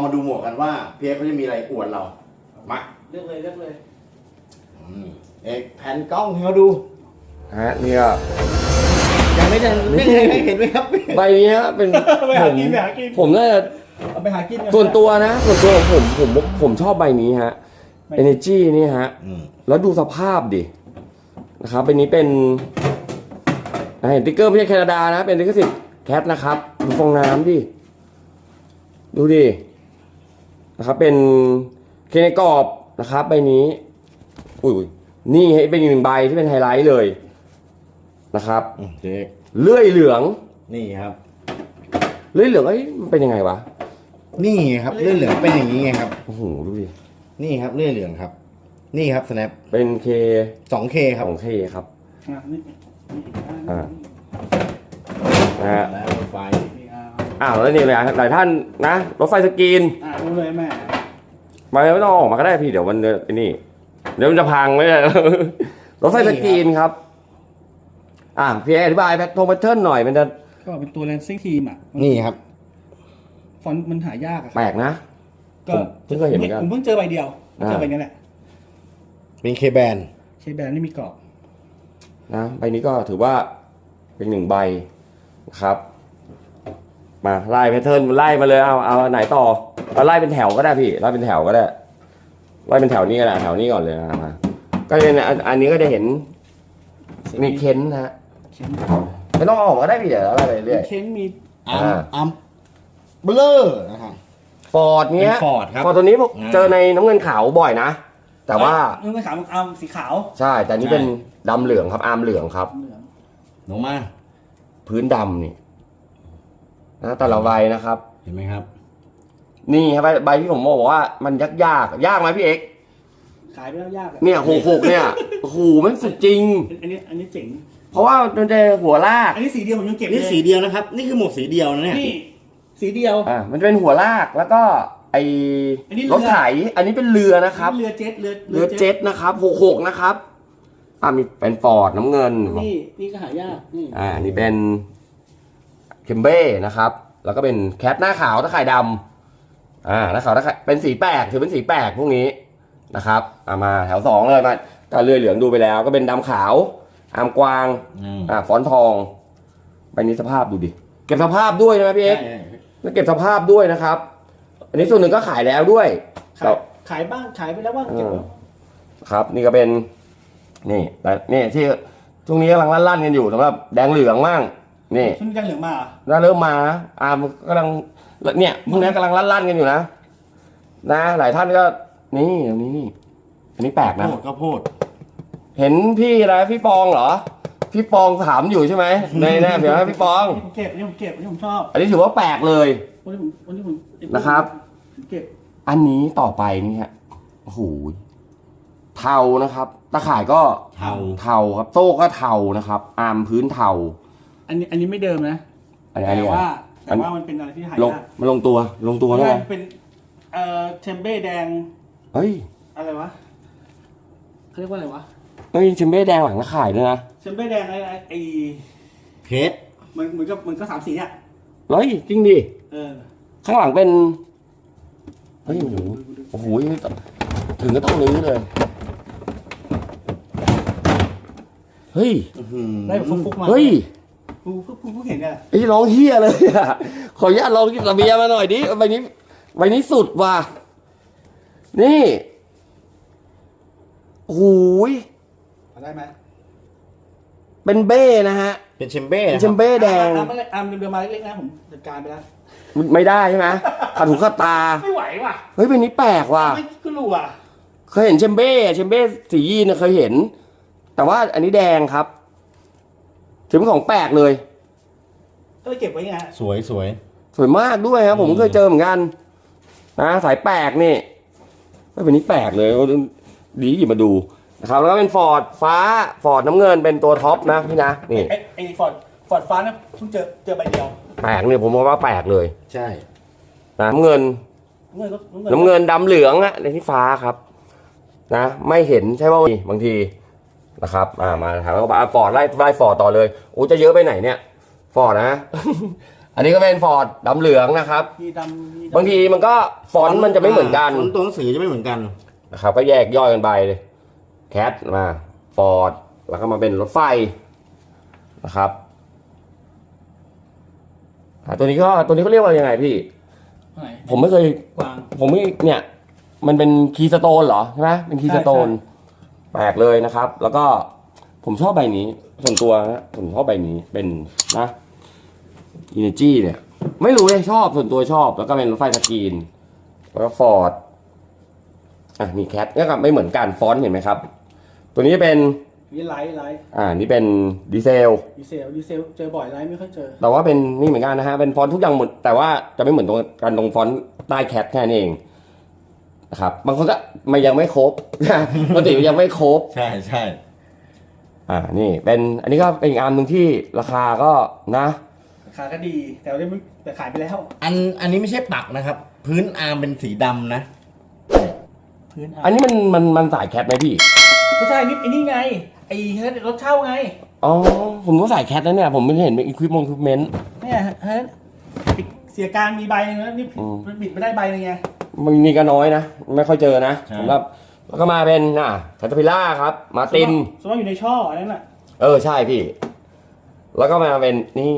มาดูหมวกกันว่าพี่เอกเขาจะมีอะไรอวดเรามาเลือกเลยเอกแผ่นกล้องให้เขาดูฮะนี่ก็ยังไม่ได้ให้เห็นไหมครับใบนี้ฮะเป็นไปหากินไปหากินผมน่าจะเอาไปหากินส่วนตัวนะส่วนตัวของผมชอบใบนี้ฮะ Energy นี่ฮะแล้วดูสภาพดินะครับใบนี้เป็นเห็นติ๊กเกอร์ไม่ใช่แคนาดานะเป็นลิขสิทธิ์แคทนะครับดูฟองน้ำดิดูดินะครับเป็นเคในกรอบนะครับใบนี้อุ้ยนี่เป็นอีกหนึ่งใบที่เป็นไฮไลท์เลยนะครับเลื่อยเหลืองนี่ครับเลื่อยเหลืองมันเป็นยังไงวะนี่ครับเลื่อยเหลืองเป็นอย่างนี้ไงครับโอ้โหดูดินี่ครับเลื่อยเหลืองครับนี่ครับ snap เป็น K 2K ครับ 2K ครับแล้วรถไฟแล้วนี่เลยหลายท่านนะรถไฟสกรีนรู้เลยแม่ไม่ต้องออกมาก็ได้พี่เดี๋ยวมันนี่เดี๋ยวมันจะพังไม่ได้รถไฟสกรีนครับพี่อธิบายแพทเทิร์นหน่อยมันจะก็เป็นตัวแลนซิ่งทีมนี่ครับฟอนต์มันหายากแปลกนะก็เพิ่งเคยเห็นเหมือนกันผมเพิ่งเจอใบเดียวเจอใบนี้แหละเป็นเคแบนนี่มีกรอบนะใบนี้ก็ถือว่าเป็นหนึ่งใบครับมาไล่แพทเทิร์นไล่มาเลยเอาไหนต่อเอาไล่เป็นแถวก็ได้พี่ไล่เป็นแถวก็ได้ไล่เป็นแถวนี้ก็ได้แถวนี้ก่อนเลยนะก็เป็นอันนี้ก็จะเห็นมีเค้นนะฮะไม่ต้องออกก็ได้พี่เดี๋ยวอะไรไปเรื่อยเค้นมีอัมเบลอนะครับฟอร์ดเนี้ยฟอร์ดครับฟอร์ดตัวนี้ผมเจอในน้ำเงินขาวบ่อยนะแต่ว่าน้ำเงินขาวอาร์มสีขาวใช่แต่นี้เป็นดำเหลืองครับอาร์มเหลืองครับลงมาพื้นดำนี่นะแต่ละใบนะครับเห็นไหมครับนี่ครับใบที่ผมบอกว่ามันยากไหมพี่เอกขายไปแล้วยากเนี่ย66เนี่ยโอ้โหมันสุดจริงอันนี้เจ๋งเพราะว่ามันจะหัวลากอันนี้สีเดียวผมยังเก็บนี่สีเดียวนะครับนี่คือหมวกสีเดียวนะเนี่ยนี่สีเดียวมันจะเป็นหัวลากแล้วก็รถไถอันนี้เป็นเรือนะครับเรือเจ็ตนะครับ66นะครับมีเป็นฟอร์ดน้ำเงินนี่ก็หายากอันนี้เป็นเคมเบ้นะครับแล้วก็เป็นแคทหน้าขาวตะข่ายดำหน้าขาวตะข่ายเป็นสีแปลกถือเป็นสีแปลกพวกนี้นะครับมาแถว2เลยมาก็เลื่อยเหลืองดูไปแล้วก็เป็นดำขาวอามกวางฟอนทองใบนี้สภาพดูดิเก็บสภาพด้วยใช่ไหมพี่เอ็กซ์แล้วเก็บสภาพด้วยนะครับอันนี้ส่วนหนึ่งก็ขายแล้วด้วยขายบ้างขายไปแล้วบ้างเก็บครับนี่ก็เป็นนี่ที่ช่วงนี้กำลังลั่นกันอยู่สำหรับแดงเหลืองมั่งนี่ช่วงนี้แดงเหลืองมาเริ่มมากำลังเนี่ยพวกนี้กำลังลั่นกันอยู่นะหลายท่านก็นี่ตรงนี้นี่อันนี้แปลกนะข้าวโพดเห็นพี่อะไรพี่ปองเหรอพี่ปองถามอยู่ใช่ไหมในเดี๋ยวให้พี่ปองผมเก็บอันนี้ผมชอบอันนี้ถือว่าแปลกเลยวันนี้ผมนะครับเก็บอันนี้ต่อไปนี่ฮะโอ้โหเทานะครับตะข่ายก็เทาครับโซ่ก็เทานะครับอาร์มพื้นเทาอันนี้ไม่เดิมนะแต่ว่ามันเป็นอะไรที่หายากมันลงตัวแล้วเป็นเทมเบ้แดงเฮ้ยอะไรวะเขาเรียกว่าอะไรวะเฮ้ยเทมเบ้แดงหลังตะข่ายด้วยนะเทมเบ้แดงไอเพชรมันก็3 สีอ่ะเฮ้ยจริงดิข้างหลังเป็นเฮ้ยโอ้โหถึงก็ต้องรื้อเลยเฮ้ยได้แบบฟุกมาเฮ้ยผู้เห็นเนี่ยไอ้ร้องเฮียเลยอ่ะขออนุญาตลองกินระเบียมาหน่อยดิใบนี้สุดว่ะนี่โอ้ยได้ไหมเป็นเบ้นะฮะเป็นเชมเบ้แดงเรือมาเล็กๆนะผมจัดการไปแล้วไม่ได้ใช่ไหมขาดหูขาดตาไม่ไหวว่ะเฮ้ยเป็นนี้แปลกว่ะไม่ก็รู้อ่ะเคยเห็นเชมเบ้สียีนเคยเห็นแต่ว่าอันนี้แดงครับถือเป็นของแปลกเลยก็เลยเก็บไว้ไงสวยมากด้วยครับผมเคยเจอเหมือนกันนะสายแปลกนี่ไม่เป็นนี้แปลกเลยดีหยิบมาดูนะครับแล้วก็เป็นฟอร์ดฟ้าฟอร์ดน้ำเงินเป็นตัวท็อปนะพี่นะนี่ไอ้ฟอร์ดฟ้าเนี่ยเพิ่งเจอใบเดียวแปลกเนี่ยผมว่าแปลกเลยใช่น้ำเงินดำเหลืองอะในที่ฟ้าครับไม่เห็นใช่ว่าบางทีนะครับมาถามว่าฟอร์ดไล่ฟอร์ดต่อเลยโอ้จะเยอะไปไหนเนี่ยฟอร์ดนะอันนี้ก็เป็นฟอร์ดดำเหลืองนะครับมีดำมีดำบางทีมันก็ฟอนต์มันจะไม่เหมือนกันฟอนต์ตัวหนังสือจะไม่เหมือนกันนะครับก็แยกย่อยกันไปเลยแคทมาฟอร์ดแล้วก็มาเป็นรถไฟนะครับตัวนี้เขาเรียกว่ายังไงพี่ไหนผมไม่เคยกวางผมไม่เนี่ยมันเป็นคีย์สโตนเหรอใช่ไหมเป็นคีย์สโตนใช่แปลกเลยนะครับ แล้วก็ผมชอบใบนี้ส่วนตัวนะผมชอบใบนี้เป็นนะ Energy เนี่ยไม่รู้เลยชอบส่วนตัวชอบแล้วก็เป็นรถไฟสกรีนแล้วก็ฟอร์ดมีแคทก็ไม่เหมือนกันฟอนต์เห็นไหมครับ ตัวนี้จะเป็นนี่ไลท์นี่เป็นดีเซลดีเซลเจอบ่อยไลท์ไม่ค่อยเจอแต่ว่าเป็นนี่เหมือนกันนะฮะเป็นฟอนต์ทุกอย่างหมดแต่ว่าจะไม่เหมือนตรงกันตรงฟอนต์ใต้แคทแค่นั้นเองนะครับบางคนก็มันยังไม่ครบ ปกติมันยังไม่ครบใช่ใช่นี่เป็นอันนี้ก็เป็นอีกอันหนึ่งที่ราคาก็นะราคาก็ดีแต่ว่าแต่ขายไปแล้วอันนี้ไม่ใช่ปักนะครับ พื้นอาร์มเป็นสีดำนะพื้นอันนี้มันสายแคทไหมพี่ไม่ใช่นี่ไอ้นี่ไงไอ้รถเช่าไงอ๋อผมก็สายแคทนะเนี่ยผมไม่เห็นเป็นอุปกรณ์เนี่ยเสียการมีใบนึงแล้วนี่มันบิดไม่ได้ใบนึงไงมันมีก็น้อยนะไม่ค่อยเจอนะใช่สำหรับแล้วก็มาเป็นแคทพิล่าครับมาตินสมมติอยู่ในช่ออันนั้นแหละใช่พี่ แล้วก็มาเป็นนี่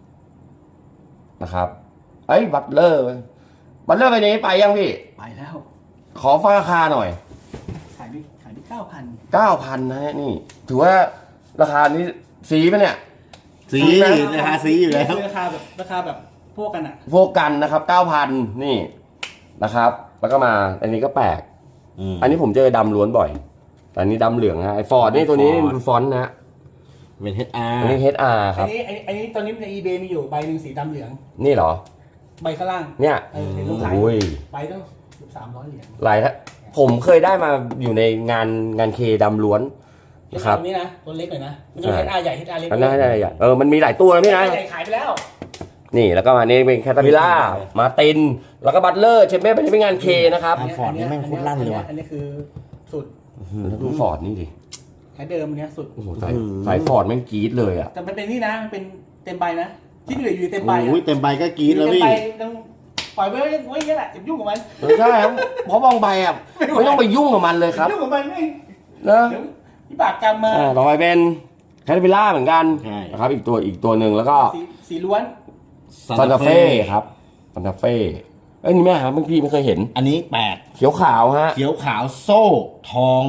นะครับบัตเลอร์ไปนี้ไปยังพี่ไปแล้วขอฟังราคาหน่อยขายไป9,000 9,000นะฮะนี่ ถือว่าราคานี้สีปะเนี่ยสีราคาสีอยู่แล้วราคาแบบพวกกันอ่ะพวกกันนะครับ 9,000 นี่นะครับ แล้วก็มาอันนี้ก็แปลก อันนี้ผมเจอดำล้วนบ่อย แต่อันนี้ดำเหลืองนะไอ้ฟอร์ดนี่ตัวนี้ดูฟอนต์นะเป็น HR อันนี้ HR ครับอันนี้ตอนนี้ใน eBay มีอยู่ใบหนึ่งสีดำเหลืองนี่เหรอใบข้างล่างเนี่ยเห็นรูปขายอุ้ยใบต้อง300 เหรียญหลายท่านผมเคยได้มาอยู่ในงานเคดำล้วนนะครับตัวนี้นะตัวเล็กหน่อยนะมันจะ HR ใหญ่ HR เล็กอันนั้นได้มันมีหลายตัวนะพี่นะใหญ่ขายไปแล้วนี่แล้วก็มานี่เป็นแคทพิล่ามาตินแล้วก็บัตเลอร์เชมเบ้เป็นงานเคนะครับฟอร์ดนี่แม่งโคตรลั่นเลยว่ะอันนี้คือสุดแล้วดูฟอร์ดนี่ดิแค่เดิมอันนี้สุดโอ้โหสายฟอร์ดแม่งกรี๊ดเลยอ่ะแต่มันเป็นนี่นะมันเป็นเต็มใบนะที่เหลืออยู่เต็มใบโอ้ยเต็มใบก็กรี๊ดแล้วเต็มพี่ใบต้องปล่อยไว้อย่างนี้แหละอย่ายุ่งกับมันใช่ครับเพราะบางใบอ่ะไม่ต้องไปยุ่งกับมันเลยครับยุ่งกับมันไม่นะเดี๋ยวที่บากกรรมมาต่อไปเป็นแคทพิล่าเหมือนกันใช่นะครับอีกตัวหนึ่งแล้วก็สีล้วนซันตาเฟ่ครับซันตาเฟ่นี่แม่ครับบางทีไม่เคยเห็นอันนี้แปดเขียวขาวฮะเขียวขาวโซ่ทอง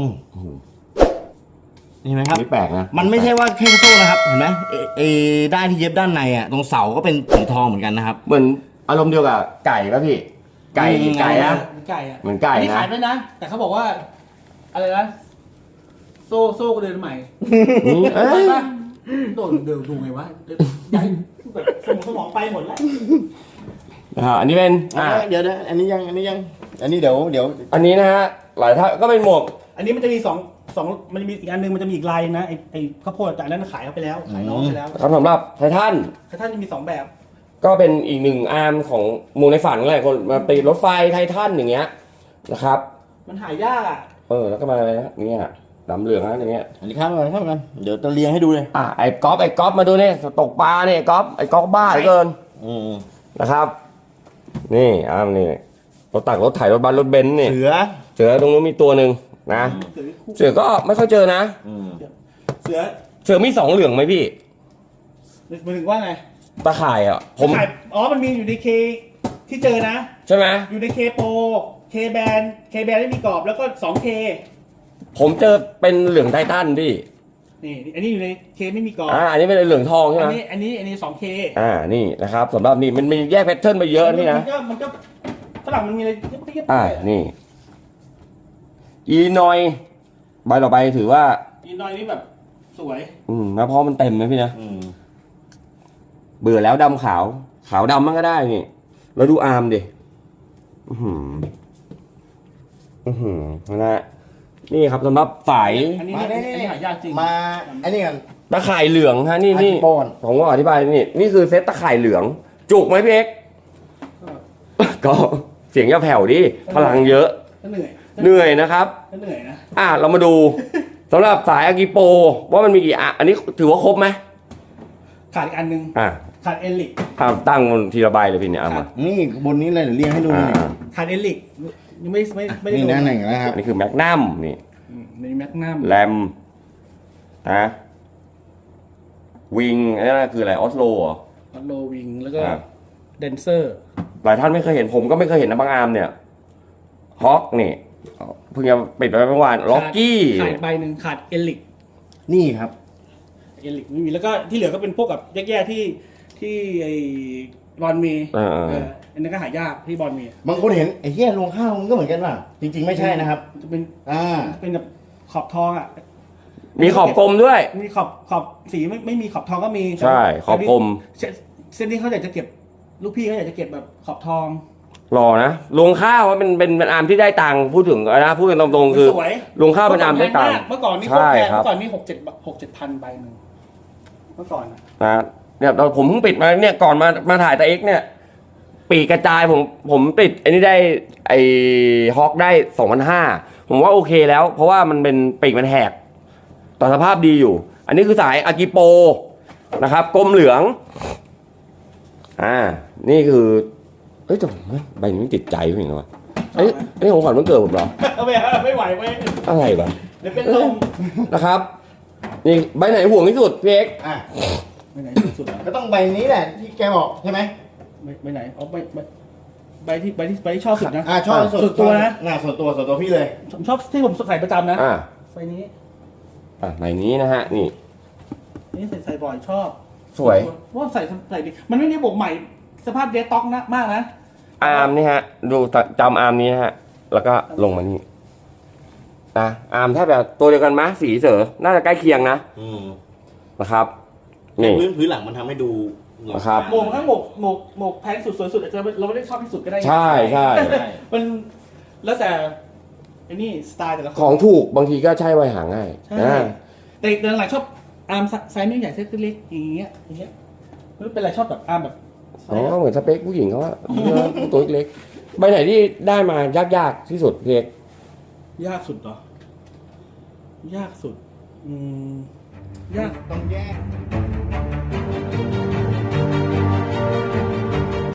นี่ไหมครับนี่แปลกนะมันไม่ใช่ว่าแค่โซ่นะครับเห็นไหมด้านที่เย็บด้านในอ่ะตรงเสาก็เป็นสีทองเหมือนกันนะครับเหมือนอารมณ์เดียวกับไก่ป่ะพี่ ไก่นะไก่อะเหมือนไก่นะนี่ขายไปนะ แต่เขาบอกว่า อะไรนะโซ่ก็เดินใหม่เอ้ยโดนเดินดูไงวะย้ายแบบสมองไปหมดแล้วอันนี้เป็นเดี๋ยวอันนี้ยังอันนี้เดี๋ยวอันนี้นะฮะหลายท่านก็เป็นหมวกอันนี้มันจะมีสองมันจะมีอีกอันนึงมันจะมีอีกลายนะไอ้ข้าวโพดแต่อันนั้นขายเขาไปแล้วขายน้องไปแล้วครับสำหรับไททันแต่ท่านจะมี2 แบบก็เป็นอีกหนึ่งอาร์มของหมูในฝันหลายคนมาตีรถไฟไททันอย่างเงี้ยนะครับมันหายากอ่ะแล้วก็มาอะไรนะเนี่ยดำเหลืองนะอย่างเงี้ยอันนี้ข้ามกันเดี๋ยวจะเรียงให้ดูเลยไอ้ก๊อฟมาดูเนี่ยตกปลาเนี่ยไอ้ก๊อฟบ้าเหลือเกินนะครับ นี่นี่รถตักรถไถรถบัสรถเบนซ์เนี่ยเสือตรงนู้นมีตัวหนึ่งนะ เสือก็ไม่ค่อยเจอนะเสือมี2เหลืองไหมพี่มันถึงว่าไงตาข่ายอ่ะผมมันมีอยู่ในเคที่เจอนะใช่ไหมอยู่ในเคโปเคแบนไม่มีกรอบแล้วก็2K ผมเจอเป็นเหลืองไททันพี่นี่อันนี้อยู่ในเคไม่มีกรอบอันนี้เป็นเหลืองทองใช่ไหมอันนี้ 2K นี่นะครับสำหรับนี่มันมีแยกแพทเทิร์นไปเยอะนี่นะมันก็ฝรั่งมันมีอะไรเทียบนี่อีนอยใบต่อไปถือว่าอีนอยนี่แบบสวยนะเพราะมันเต็มนะพี่นะเบื่อแล้วดำขาวดำมันก็ได้นี่แล้วดูอาร์มดินะนี่ครับสำหรับสายอันนี้หายากจริงมาอันนี้กันตะข่ายเหลืองฮะนี่ปอนผมก็อธิบายนี่คือเซตตะข่ายเหลือง จุกไหมพี่เอ็กก็เสียงอย่าแผ่วดิพลังเยอะก็เหนื่อยนะครับก็เหนื่อยนะเรามาดูสำหรับสายอากิโปว่ามันมีกี่อันนี้ถือว่าครบไหมขาดอีกอันนึงขาดเอลิกตั้งบนทีละใบเลยพี่เนี่ยเอามานี่บนนี้เลยเดี๋ยวเรียงให้ดูนี่ขาดเอลิกยังไม่ได้นี่ดูนะหนึ่งแล้วครับอันนี้คือแมกนัมนี่ในแมกนัมแรมนะวิงอันนี้คืออะไรออสโลเหรอออโลวิงแล้วก็อ่าเดนเซอร์หลายท่านไม่เคยเห็นผมก็ไม่เคยเห็นนะบางอาร์มเนี่ยฮอกนี่เพิ่งจะปิดไปเมื่อวานล็อกกี้ขาดใบหนึ่งขาดเอลิกนี่ครับเอลิกไม่มีแล้วก็ที่เหลือก็เป็นพวกกับแย่ๆที่ไอ้บอลมีอันนั้นก็หายากที่บอลมีบางคนเห็นไอ้เหี้ยลงข้าวมันก็เหมือนกันว่ะจริง ๆไม่ใช่นะครับจะเป็น เป็นแบบขอบทองอ่ะมีขอบกลมด้วยมีขอบสีไม่มีขอบทองก็มีใช่ขอบกลมเส้นที่เขาอยากจะเก็บลูกพี่เขาอยากจะเก็บแบบขอบทองหล่อนะลงข้าวว่าเป็นอาร์มที่ได้ตังค์พูดถึงนะพูดกันตรงๆคือสวยลงข้าวเป็นอาร์มได้ตังค์เมื่อก่อนนี่โคตรใช่แพงครับเมื่อก่อนนี่6-7พันใบหนึ่งเมื่อก่อนอะนะเนี่ยเราผมเพิ่งปิดมาเนี่ยก่อนมาถ่ายแต่เอ็กเนี่ย ปีกกระจายผมปิดไอ้นี่ได้ไอ้ฮอกได้ 2,500ผมว่าโอเคแล้ว เพราะว่ามันเป็นปีกมันแหกต่อสภาพดีอยู่ อันนี้คือสายอากิโปนะครับกลมเหลืองนี่คือเอ้ยแต่ใบนี้ติดใจพี่เห็นไหมไอ้นี่ของขวัญวันเกิดผมเหรอไม่ไหวเว้ยอะไรวะเดี๋ยวเป็นลมนะครับนี่ใบไหนห่วงที่สุดพี่เอ็กอ่ะไปไหนสุดอ่ะก็ต้องใบนี้แหละที่แกบอกใช่ไหมไปไหนอ๋อใบที่ชอบสุดนะชอบส่วนตัวนะส่วนตัวพี่เลยผมชอบที่ผมใส่ประจำนะใบนี้ใบนี้นะฮะนี่นี่ใส่บ่อยชอบสวยว่าใส่ดีมันไม่ได้บวกใหม่สภาพเดสต็อกนะมากนะอาร์มนี่ฮะดูจำอาร์มนี้นะฮะแล้วก็ลงมานี่อาร์มแทบแบบตัวเดียวกันมั้ยสีเสือน่าจะใกล้เคียงนะนะครับแต่นี่พื้นหลังมันทำให้ดูนะครับหมวกทั้งหมวกแพงสุดสวยสุดอาจจะเราไม่ได้ชอบที่สุดก็ได้ใช่มันแล้วแต่ไอ้นี่สไตล์แต่ละคขอน งถูกบางทีก็ใช่ไว้หาง่ายใช่แต่หลังๆชอบอาร์มไซส์ไม่ใหญ่ไซส์เล็กอย่างเงี้ยไม่เป็นไรชอบแบบอาร์มแบบอ๋อเหมือนสเปคผู้หญิงเขาว่าตัวเล็กใบไหนที่ได้มายากที่สุดเพียกยากสุดเหรอยากสุดยากต้องแยก